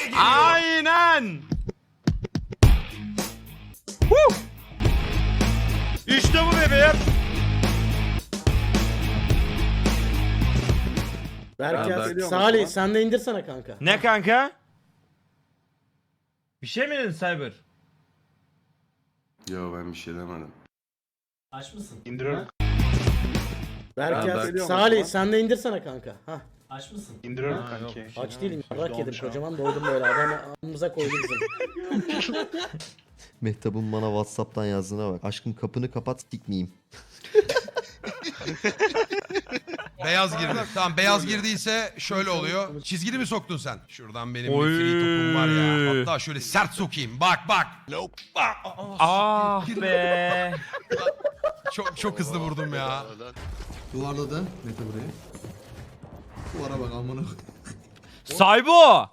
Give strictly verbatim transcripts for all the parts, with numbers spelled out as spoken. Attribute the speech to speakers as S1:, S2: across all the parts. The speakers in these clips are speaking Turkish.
S1: Aynen. Woo! İşte bu bebeğim.
S2: Berker, Salih sen de indirsene kanka.
S1: Ne kanka? Bir şey mi dedin Cyber?
S3: Yo ben bir şey demedim.
S2: Aç mısın?
S4: İndiriyorum.
S2: Berker,
S4: Ben
S2: Salih sen de indirsene kanka. Hah. Aç mısın?
S4: İndiriyorum kanki.
S2: Aç değilim. Rak yedim. Kocaman doydum böyle. Adamı ağzımıza koydu bizim.
S5: Mehtap'ın bana Whatsapp'tan yazdığına bak. Aşkım kapını kapat sikmeyeyim.
S6: Beyaz girdi. Tamam beyaz girdiyse şöyle oluyor. Çizgili mi soktun sen? Şuradan benim
S1: Oy.
S6: bir free topum var ya. Hatta şöyle sert sokayım. Bak bak. Bak.
S1: Ah be.
S6: Çok çok hızlı vurdum ya.
S7: Duvarladı. Mete burayı. Duvara bak amına.
S1: Saybo.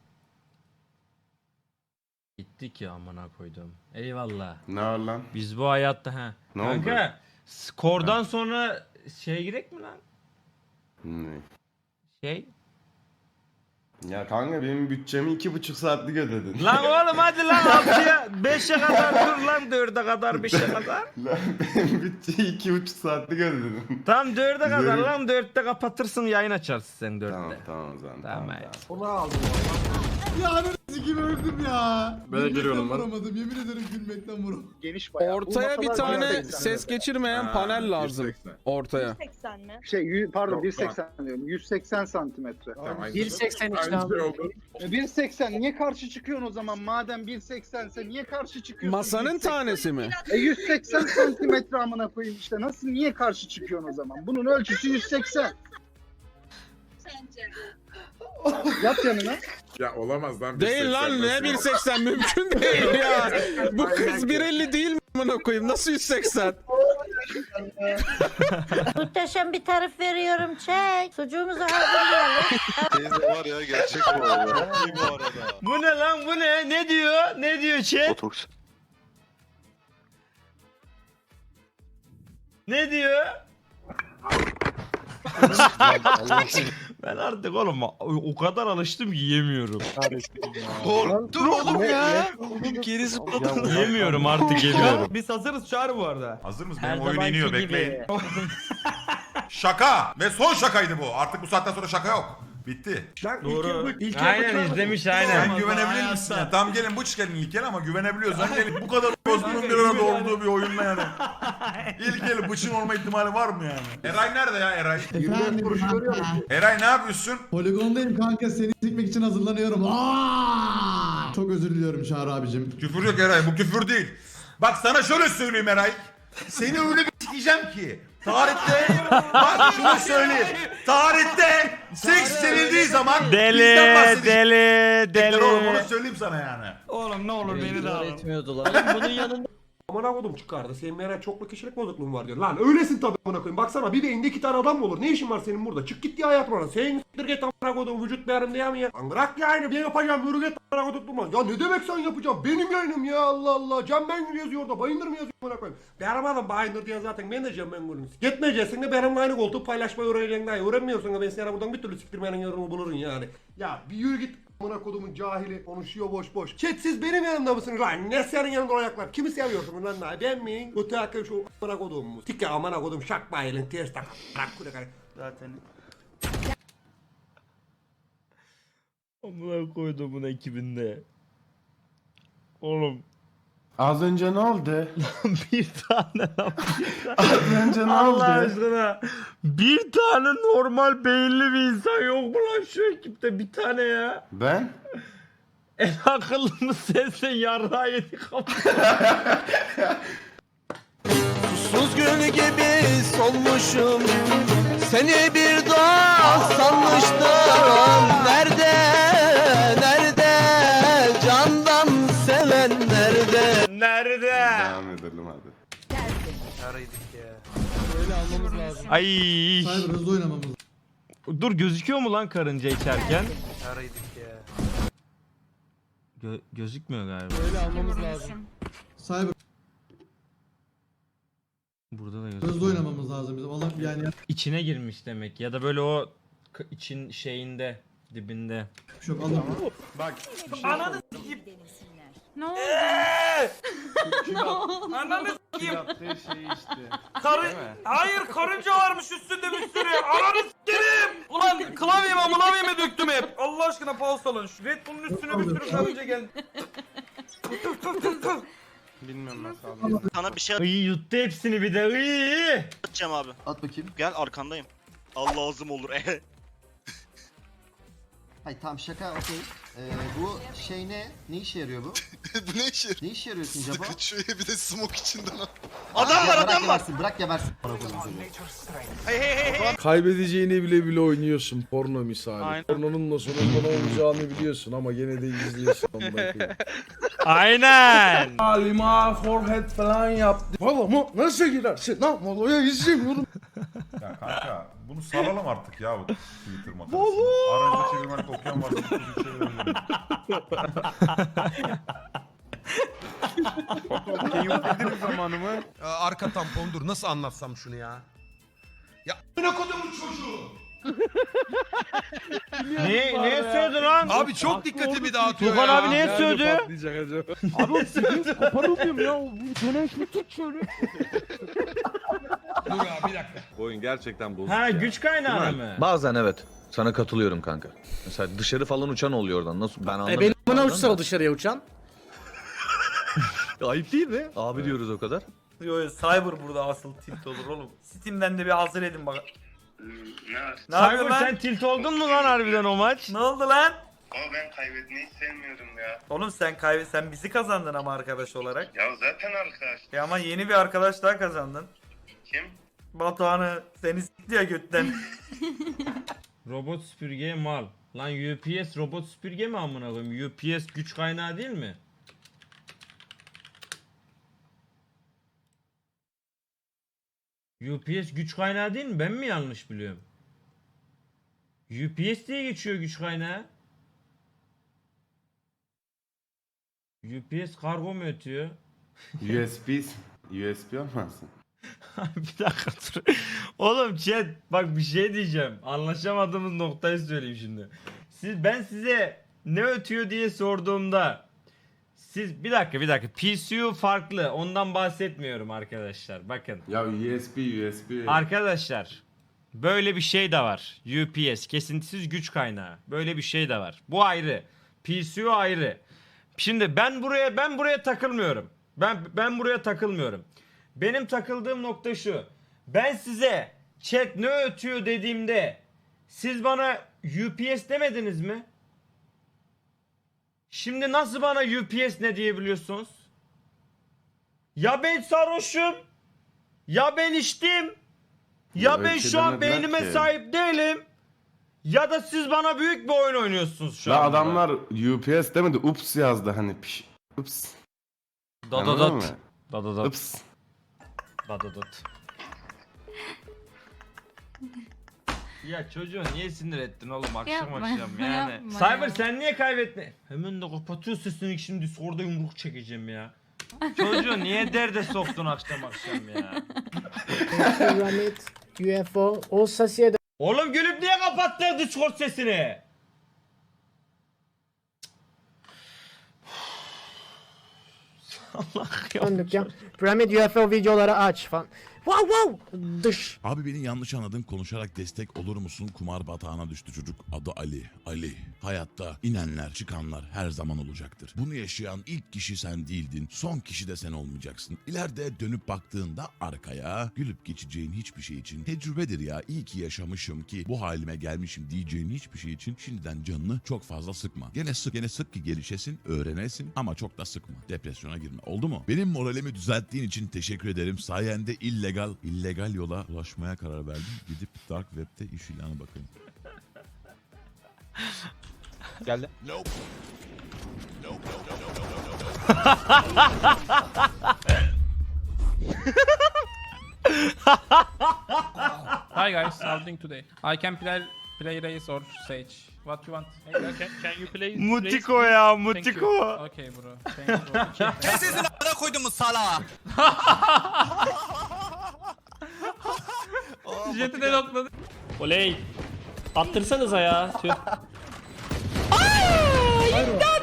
S1: Gittik ya amına koydum. Eyvallah.
S3: Ne var lan?
S1: Biz bu hayatta ha.
S3: Ne
S1: Kanka,
S3: oldu?
S1: skordan sonra şey girek mi lan?
S3: Ne?
S1: Şey.
S3: Ya kanka benim bütçemi iki buçuk saatlik ödedin.
S1: Lan oğlum hadi lan altıya beşe kadar dur lan dörde kadar beşe kadar.
S3: Lan benim bütçeyi iki buçuk saatlik ödedin.
S1: Tam dörde kadar
S3: Güzel.
S1: lan dörtte kapatırsın yayın açarsın sen dörtte.
S3: Tamam tamam o zaman.
S1: Tamam,
S3: Tamam,
S1: evet.
S3: tamam.
S7: Ya ananı sikim öldüm ya.
S4: Böyle giriyorum ben.
S7: Vuramadım yemin ederim gülmekten vuramadım.
S4: Geniş bayağı.
S8: Ortaya bir tane ses geçirmeyen panel lazım. Ortaya.
S9: yüz seksen mi?
S4: Şey yüz- pardon bir seksen diyorum. yüz seksen santimetre.
S7: bir
S9: seksen işte abi.
S4: E, bir seksen niye karşı çıkıyorsun o zaman? Madem bir seksense niye karşı çıkıyorsun?
S8: Masanın
S4: bir seksen?
S8: tanesi mi?
S4: E yüz seksen santimetre amına koyayım işte. Nasıl niye karşı çıkıyorsun o zaman? Bunun ölçüsü yüz seksen. Yat yanına.
S10: Ya olamaz lan.
S8: Değil lan ne bir seksen mümkün değil ya. Bu kız bir elli değil mi amına koyayım? Nasıl yüz seksen?
S9: Muhteşem bir tarif veriyorum çek. Sucuğumuzu hazırlayalım.
S10: Teyze var ya gerçek bu arada. İyi bu arada.
S1: Bu ne lan bu ne? Ne diyor? Ne diyor chat?
S10: Botoks.
S1: Ne diyor? Ben artık oğlum o kadar alıştım ki yiyemiyorum.
S6: Korktum oğlum ya.
S10: Geri zıpladım.
S1: Yiyemiyorum artık yemiyorum.
S11: Biz hazırız Çağrı bu arada.
S10: Hazır mısın?
S1: Her
S10: Benim oyun
S1: zamanki
S10: iniyor
S1: gibi.
S10: bekleyin. Şaka. Ve son şakaydı bu. Artık bu saatten sonra şaka yok. Bitti.
S1: Doğru. Aynen izlemiş aynen.
S10: Sen güvenebilir misin? Ya? Tamam gelin bu gelin ilk el ama güvenebiliyorsan gelin. Bu kadar bozgunun bir arada olduğu bir oyunla yani. İlk el bıçın olma ihtimali var mı yani? Eray nerede ya Eray?
S7: Efendim kanka.
S10: Eray ne yapıyorsun?
S7: Poligondayım kanka seni sikmek için hazırlanıyorum. Aa! Çok özür diliyorum Çağrı abicim.
S10: Küfür yok Eray bu küfür değil. Bak sana şöyle söyleyeyim Eray. Seni öyle bir sikeceğim ki. Tarihte bak şunu söyleyeyim. Tarihte seks sevildiği zaman bizden
S1: Deli
S10: bahsedecek.
S1: deli
S10: Bekler oğlum onu
S1: deli.
S10: söyleyeyim sana yani.
S1: Oğlum ne olur beni de alın.
S2: Bunun yanında
S11: Amına kodum çıkardı. Senin meğer çoklu kişilik bozukluğun var diyor. Lan öylesin tabii amına koyayım. Baksana bir beyinde iki tane adam mı olur? Ne işin var senin burada? Çık git ya hayat bana. Senin s**tir git amına kodum vücut değerim diye mi ya? Lan bırak yani ben yapacağım. Yürü git amına kodum durma. Ya ne demek sen yapacaksın? Benim yayınım ya Allah Allah. Cem Bengül yazıyor orada. Bayındır mı yazıyor amına koyayım? Benim adam Bayındır diye zaten ben de Cem Bengül'üm. Gitmeyeceksin de benimle aynı koltuğu paylaşmayı öğreneceksin daha. Öğrenmiyorsun da ben seni buradan bir türlü siktirmenin yolunu bulurum yani. Ya bir yürü git. Amına kodumun cahili konuşuyor boş boş. Chat siz benim yanımda mısınız lan? Ne senin yanında olacaklar? Kimi seviyorsunuz lan daha? Ben mi? Öte hakkı şu amına kodum mu? Tike amına kodum şak bayılın ters tak. Bırak kule kare.
S1: Zaten. Amına koyduğumun ekibinde. Oğlum
S3: Az önce ne oldu?
S1: bir tane lan.
S3: Az önce ne oldu?
S1: Allah aşkına. Bir tane normal beyinli bir insan yok mu lan şu ekipte? Bir tane ya.
S3: Ben?
S1: En akıllı mı sensin yarrağı yedik ama.
S5: Susuz gül gibi solmuşum. Seni bir daha sanmıştım. Nerede, nerede candan seven nerede?
S1: Nerede?
S3: Devam edelim hadi.
S8: Böyle almamız lazım.
S1: Ay.
S7: Cyber hızlı oynamamız lazım.
S1: Dur gözüküyor mu lan karınca içerken? Gö gözükmüyor galiba.
S8: Böyle almamız lazım.
S7: Cyber
S1: Burada da gözüküyor.
S7: hızlı oynamamız lazım bizim. Allah yani
S1: İçine girmiş demek ya da böyle o k- için şeyinde Dibinde.
S7: Çok alın.
S3: Bak.
S1: Ananı s**eyim.
S9: Ne oldu?
S1: Ananı s**eyim.
S3: Yaptığı şey işte.
S1: Karı... Hayır karınca varmış üstünde bir sürü. Ananı s**erim. Ulan klavyeme klavyeme döktüm hep. Allah aşkına pause alın. Şu Red Bull'un üstüne bir sürü karınca geldi.
S3: Bilmiyorum nasıl aldım.
S12: Sana bir şey
S1: İyi yuttu hepsini bir de. İyi.
S12: atacağım abi.
S5: At bakayım.
S12: Gel arkandayım. Allah lazım olur.
S5: Hayır tamam şaka okey. Ee, bu şey ne? Ne işe yarıyor bu?
S12: Bu ne işi?
S5: Ne işe yarıyor Sincap'a?
S12: Şöyle bir de smoke içinden.
S5: Adam
S12: var, adam var.
S5: Bırak gebersin.
S12: Hey hey hey hey.
S8: Kaybedeceğini bile bile oynuyorsun porno misali.
S12: Aynen.
S8: Pornonun da sonunda ne olacağını biliyorsun ama gene de izliyorsun.
S1: Aynen.
S8: Halima forehead falan yaptı. Valla mı? Nasıl girersin? Lan Molo'ya izlemiyorum.
S10: Ya kanka bunu salalım artık ya bu Twitter makarasını. Aranızda çevirmenlik okuyan varsa bu çevirebilirim.
S3: Keyiflediniz zamanımı.
S6: Arka tampon dur nasıl anlatsam şunu ya? Ya ne kodumun çocuğu?
S1: Ne ne sövdü lan?
S6: Abi çok dikkatimi dağıtıyor
S1: Tufan
S6: ya.
S1: abi niye sövdü?
S8: Abi o sizin koparılmıyorum ya. Bu döneş mi tut şöyle?
S6: Dur abi bir dakika.
S13: Bu oyun gerçekten bozuk.
S1: Ha
S13: ya.
S1: güç kaynağı mı?
S13: Bazen evet. Sana katılıyorum kanka. Mesela dışarı falan uçan oluyor oradan. Nasıl ben
S2: E
S13: anlamıyorum.
S2: benim bana
S13: Bazen
S2: uçsa o
S13: de.
S2: dışarıya uçan.
S13: Ayıp değil mi? Abi diyoruz o kadar.
S1: Yo yo Cyber burada asıl tilt olur oğlum. Steam'den de bir hazır edin bak.
S12: Ne
S1: Ne yapıyorsun lan? Sen tilt oldun mu lan harbiden o maç? Ne oldu lan?
S12: Ama ben kaybetmeyi sevmiyorum ya.
S1: Oğlum sen kaybet sen bizi kazandın ama arkadaş olarak.
S12: Ya zaten arkadaş.
S1: Ya ama yeni bir arkadaş daha kazandın.
S12: Kim?
S1: Batuhan'ı seni s**ti ya götten. Robot süpürge mal. Lan U P S robot süpürge mi amına koyayım? U P S güç kaynağı değil mi? U P S güç kaynağı değil mi? Ben mi yanlış biliyorum? U P S diye geçiyor güç kaynağı. U P S kargo mu ötüyor?
S3: U S B U S B olmasın?
S1: Bir dakika dur. Oğlum chat bak bir şey diyeceğim. Anlaşamadığımız noktayı söyleyeyim şimdi. Siz ben size ne ötüyor diye sorduğumda siz bir dakika bir dakika P C U farklı. Ondan bahsetmiyorum arkadaşlar. Bakın.
S3: Ya U S B U S B.
S1: Arkadaşlar böyle bir şey de var. U P S kesintisiz güç kaynağı. Böyle bir şey de var. Bu ayrı. P C U ayrı. Şimdi ben buraya ben buraya takılmıyorum. Ben ben buraya takılmıyorum. Benim takıldığım nokta şu. Ben size chat ne ötüyor dediğimde siz bana U P S demediniz mi? Şimdi nasıl bana U P S ne diyebiliyorsunuz? Ya ben sarhoşum. Ya ben içtim. Ya
S3: Ya öyle
S1: ben
S3: şey
S1: şu an
S3: demediler
S1: beynime
S3: ki.
S1: sahip değilim. Ya da siz bana büyük bir oyun oynuyorsunuz şu
S3: La
S1: anda.
S3: adamlar U P S demedi ups yazdı hani piş. Ups. Anladın
S1: Dadadat.
S3: mı?
S1: Dadadat.
S3: Ups.
S1: Dadadat. Ya çocuğu niye sinir ettin oğlum akşam
S9: Yapma,
S1: akşam yani.
S9: yapma
S1: Cyber
S9: ya.
S1: sen niye kaybettin? Hemen de kapatıyor sesini şimdi Discord'da yumruk çekeceğim ya. Çocuğu niye derde soktun akşam akşam ya.
S2: U F O o sasiye de
S1: Oğlum gülüp niye kapattın Discord sesini? Allah ya.
S2: döndük ya. Pyramid U F O videoları aç falan. Wow wow. Dış.
S13: Abi beni yanlış anladın, konuşarak destek olur musun? Kumar batağına düştü çocuk. Adı Ali. Ali. Hayatta inenler çıkanlar her zaman olacaktır. Bunu yaşayan ilk kişi sen değildin. Son kişi de sen olmayacaksın. İleride dönüp baktığında arkaya gülüp geçeceğin hiçbir şey için tecrübedir ya. İyi ki yaşamışım ki bu halime gelmişim diyeceğin hiçbir şey için şimdiden canını çok fazla sıkma. Gene sık gene sık ki gelişesin, öğrenesin ama çok da sıkma. Depresyona girme. Oldu mu? Benim moralimi düzelttiğin için teşekkür ederim. Sayende illegal illegal yola ulaşmaya karar verdim. Gidip Dark Web'de iş ilanı bakayım.
S8: Geldi.
S13: Nope.
S8: Hi guys, how doing today? I can play play Raze or Sage. What you want? Can, can you play?
S1: Mutiko ya Mutiko.
S8: Okay bro. Thank you bro. Okay.
S12: Sesini a**ına koydum sala.
S8: Jeti de notladı.
S2: Oley. Attırsanıza ya. Tüh.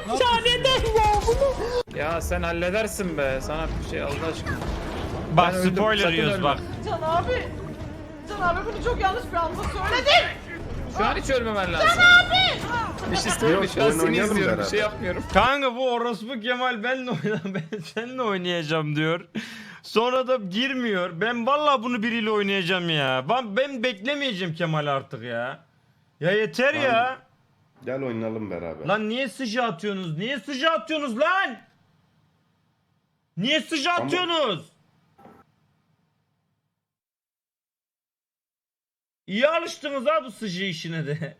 S8: Ya sen halledersin be. Sana bir şey Allah aşkına.
S1: Bak
S8: Ben öldüm,
S1: spoiler
S8: sakın
S1: yiyoruz
S8: ölme.
S1: bak.
S9: Can abi. Can abi bunu çok yanlış bir anda söyledin.
S8: Şu an hiç ölmemen lazım. Bir şey söyleme. Şu an
S3: oyun
S8: seni
S3: oynayalım
S8: izliyorum. Bir
S3: beraber.
S8: şey yapmıyorum.
S1: Kanka bu orospu Kemal benle oyna ben seninle oynayacağım diyor. Sonra da girmiyor. Ben vallahi bunu biriyle oynayacağım ya. Ben, ben beklemeyeceğim Kemal artık ya. Ya yeter ya.
S3: Gel oynayalım beraber.
S1: Lan niye sıcağı atıyorsunuz? Niye sıcağı atıyorsunuz lan? Niye sıcağı
S3: Ama-
S1: atıyorsunuz? İyi alıştınız ha bu sıcağı işine de.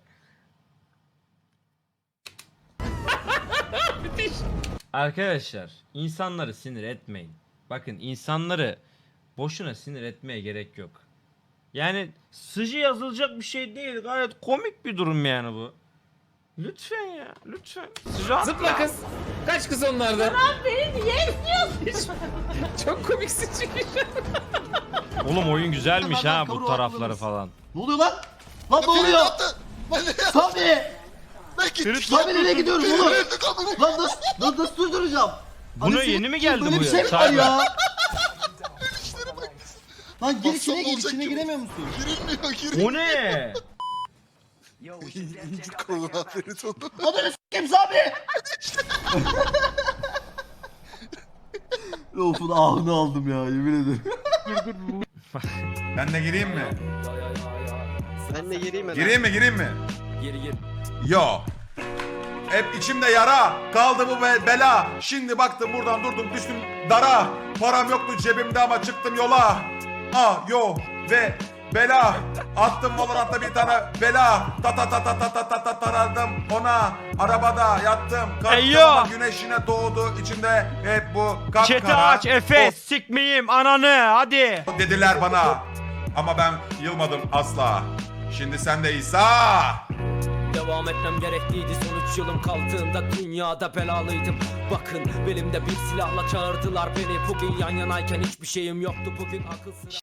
S1: Arkadaşlar insanları sinir etmeyin. Bakın insanları boşuna sinir etmeye gerek yok. Yani sıcı yazılacak bir şey değil. Gayet komik bir durum yani bu. Lütfen ya lütfen. Sıcı atma.
S8: Zıpla kız. Kaç kız onlardan.
S9: Beni niye istiyorsun?
S8: Çok komiksin çünkü.
S1: Oğlum oyun güzelmiş ha bu tarafları falan.
S5: Ne oluyor lan? Lan ne oluyor? Sami! Sami nereye gidiyoruz oğlum? Lan nasıl, lan nasıl durduracağım?
S1: Buna
S5: Anasını
S1: yeni mi
S5: satayım,
S1: geldi
S5: böyle
S1: bu
S5: bir
S1: ya?
S5: şey mi var
S1: Cyber.
S5: ya? Lan gir içine gir, içine giremiyor musun?
S1: O ne?
S5: Ananı s**eyim Sami! Rofun ahını aldım ya, yemin ederim.
S10: Ben de gireyim mi?
S2: Ben de gireyim mi?
S10: Gireyim mi gireyim mi?
S2: Gir gir.
S10: Yo. Hep içimde yara. Kaldı bu be- bela. Şimdi baktım buradan durdum düştüm dara. Param yoktu cebimde ama çıktım yola. Ah yo ve bela. Attım Valorant'ta bir tane bela. Ta ta ta ta ta ta ta ta taradım ona. Arabada yattım. Kalktım
S1: Eyyo.
S10: ama güneş yine doğdu. İçimde hep bu kapkara.
S1: Chat'i aç Efe sikmeyeyim ananı hadi.
S10: O dediler bana. Ama ben yılmadım asla. Şimdi sen de İsa.
S2: Devam etmem gerekliydi son üç yılım kaldığında dünyada belalıydım. Bakın belimde bir silahla çağırdılar beni. Bugün yan yanayken hiçbir şeyim yoktu. Bugün akılsız.